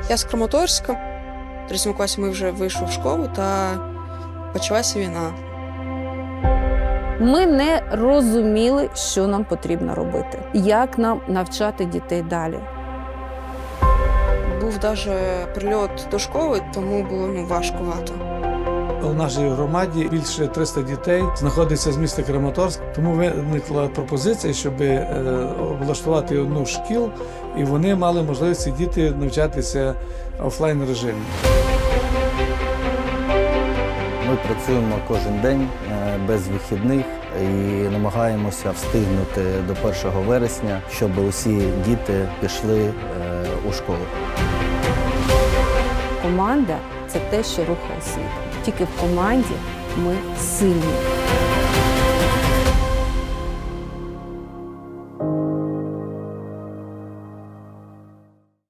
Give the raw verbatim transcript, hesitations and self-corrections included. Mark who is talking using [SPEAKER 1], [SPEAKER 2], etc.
[SPEAKER 1] Я з Краматорська. В третьому класі ми вже вийшли в школу та почалася війна.
[SPEAKER 2] Ми не розуміли, що нам потрібно робити, як нам навчати дітей далі.
[SPEAKER 1] Був навіть прильот до школи, тому було ну, важкувато.
[SPEAKER 3] У нашій громаді більше триста дітей знаходиться з міста Краматорськ, тому виникла пропозиція, щоб облаштувати одну з шкіл, і вони мали можливість ці діти навчатися в офлайн режимі.
[SPEAKER 4] Ми працюємо кожен день без вихідних і намагаємося встигнути до першого вересня, щоб усі діти пішли у школу.
[SPEAKER 2] Команда – це те, що рухає світ. Тільки в команді ми сильні.